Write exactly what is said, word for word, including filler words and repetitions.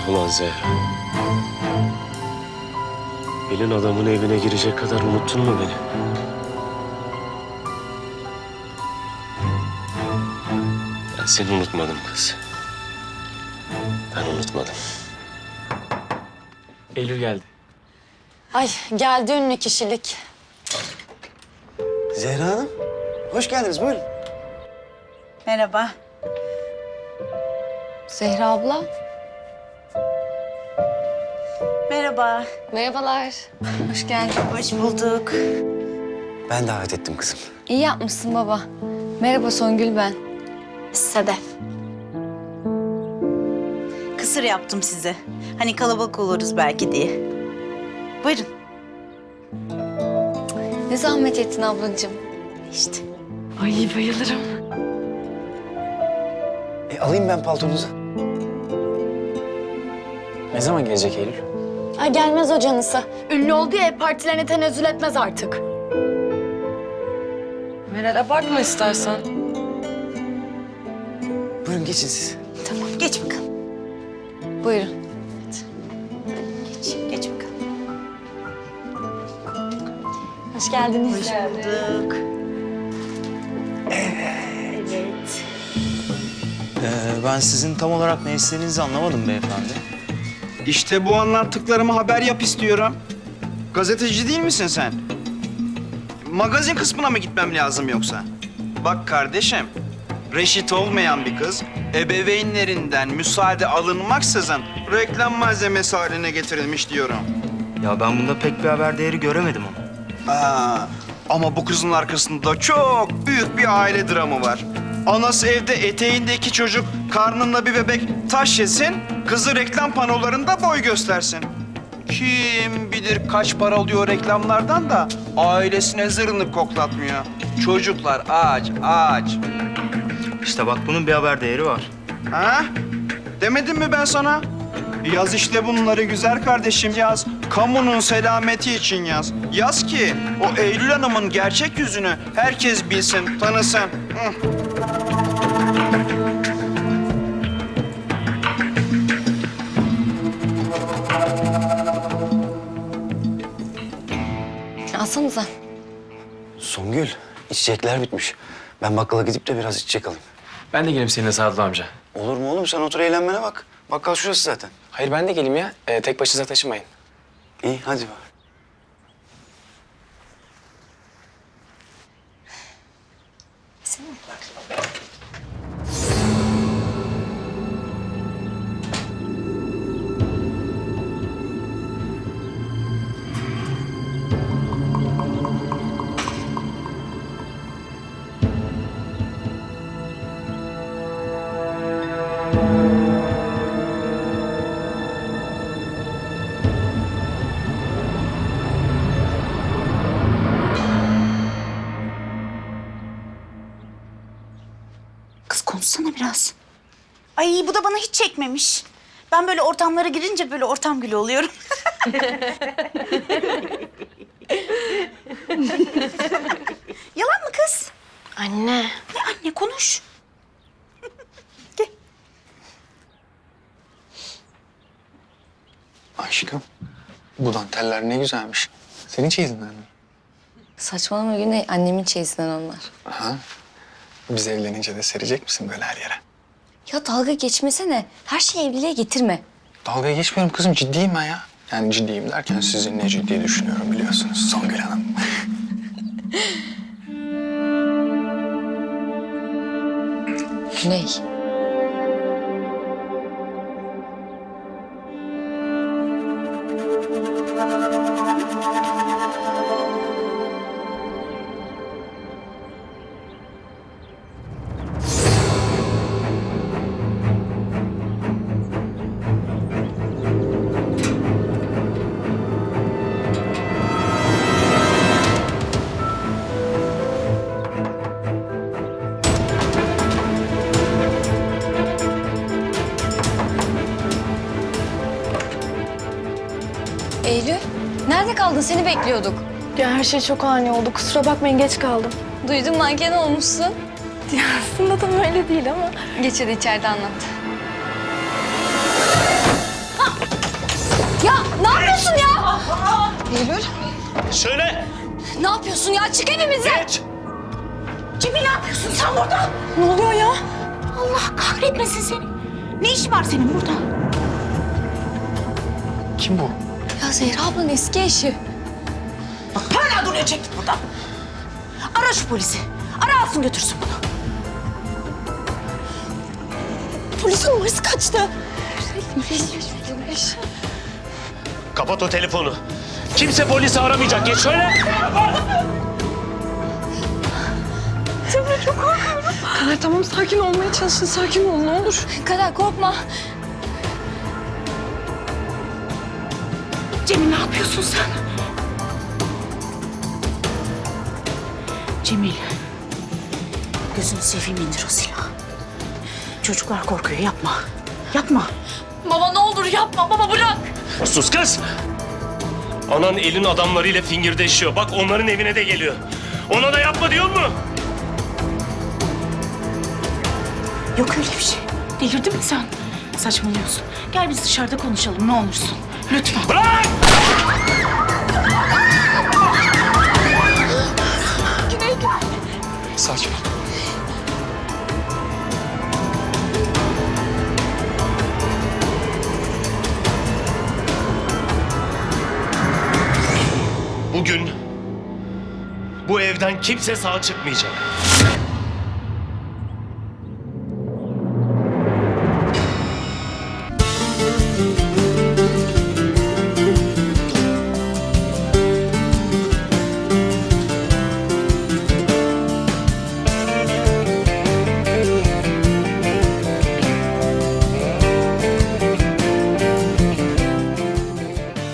Ulan Zehra. Elin adamın evine girecek kadar unuttun mu beni? Ben seni unutmadım kız. Ben unutmadım. Eylül geldi. Ay geldi ünlü kişilik. Zehra Hanım, hoş geldiniz. Buyurun. Merhaba. Zehra abla. Merhaba. Merhabalar. Hoş geldin. Hoş bulduk. Ben davet ettim kızım. İyi yapmışsın baba. Merhaba Songül ben. Sedef. Kısır yaptım size. Hani kalabalık oluruz belki diye. Buyurun. Ne zahmet ettin ablacığım. İşte. Ay bayılırım. E, alayım ben paltonuzu. Ne zaman gelecek Eylül? Ay gelmez o canısı. Ünlü oldu ya partilerine tenezzül etmez artık. Meral abartma istersen. Buyurun geçin siz. Tamam geç bakalım. Buyurun. Geç, geç bakalım. Hoş geldiniz. Hoş bulduk. Evet. Ee, ben sizin tam olarak ne istediğinizi anlamadım beyefendi. İşte bu anlattıklarımı haber yap istiyorum. Gazeteci değil misin sen? Magazin kısmına mı gitmem lazım yoksa? Bak kardeşim, reşit olmayan bir kız ebeveynlerinden müsaade alınmaksızın reklam malzemesi haline getirilmiş diyorum. Ya ben bunda pek bir haber değeri göremedim ama. Aa, ama bu kızın arkasında çok büyük bir aile dramı var. Anası evde eteğindeki çocuk karnında bir bebek taş yesin, kızı reklam panolarında boy göstersin. Kim bilir kaç para alıyor reklamlardan da ailesine zırnık koklatmıyor. Çocuklar aç, aç. İşte bak bunun bir haber değeri var. Ha? Demedim mi ben sana? Yaz işte bunları güzel kardeşim yaz. Kamunun selameti için yaz. Yaz ki o Eylül Hanım'ın gerçek yüzünü herkes bilsin, tanısın. Hı. Alsanıza. Songül, içecekler bitmiş. Ben bakkala gidip de biraz içecek alayım. Ben de geleyim seninle Sadullah amca. Olur mu oğlum? Sen otur eğlenmene bak. Bakkal şurası zaten. Hayır ben de geleyim ya. Ee, tek başınıza taşımayın. İyi, hadi bak. Kız konuşsana biraz. Ay bu da bana hiç çekmemiş. Ben böyle ortamlara girince böyle ortam gülü oluyorum. Yalan mı kız? Anne. Ne anne konuş. Aşkım, bu danteller ne güzelmiş. Senin çeyizinden mi? Saçmalama Güney. Annemin çeyizinden onlar. Aha. Biz evlenince de serecek misin böyle her yere? Ya dalga geçmesene. Her şeyi evliliğe getirme. Dalgaya geçmiyorum kızım, ciddiyim ben ya. Yani ciddiyim derken sizinle ciddi düşünüyorum biliyorsunuz Songül Hanım. Güney. Eylül, nerede kaldın? Seni bekliyorduk. Ya her şey çok ani oldu. Kusura bakmayın geç kaldım. Duydum manken olmuşsun. Ya aslında tam öyle değil ama. Geç hadi içeride anlat. Ya ne yapıyorsun ya? Söyle. Ne yapıyorsun ya? Çık evimizden. Geç. Cemil ne yapıyorsun sen burada? Ne oluyor ya? Allah kahretmesin seni. Ne işin var senin burada? Kim bu? Ya Zehra ablanın eski eşi. Bak hala duruyor, çek git buradan. Ara şu polisi. Ara alsın götürsün bunu. Polisin numarası kaçtı. Kapat o telefonu. Kimse polisi aramayacak. Geç şöyle. Kader tamam sakin olmaya çalışın. Sakin ol ne olur. Kader korkma. Cemil ne yapıyorsun sen? Cemil. Gözünü seveyim, indir o silahı. Çocuklar korkuyor, yapma. Yapma. Baba ne olur yapma. Baba bırak. Sus kız. Anan elin adamlarıyla fingirdeşiyor. Bak onların evine de geliyor. Ona da yapma diyor mu? Yok öyle bir şey. Delirdin mi sen? Saçmalıyorsun. Gel biz dışarıda konuşalım ne olursun. Lütfen. Bırak! Sakin ol. Bugün bu evden kimse sağ çıkmayacak.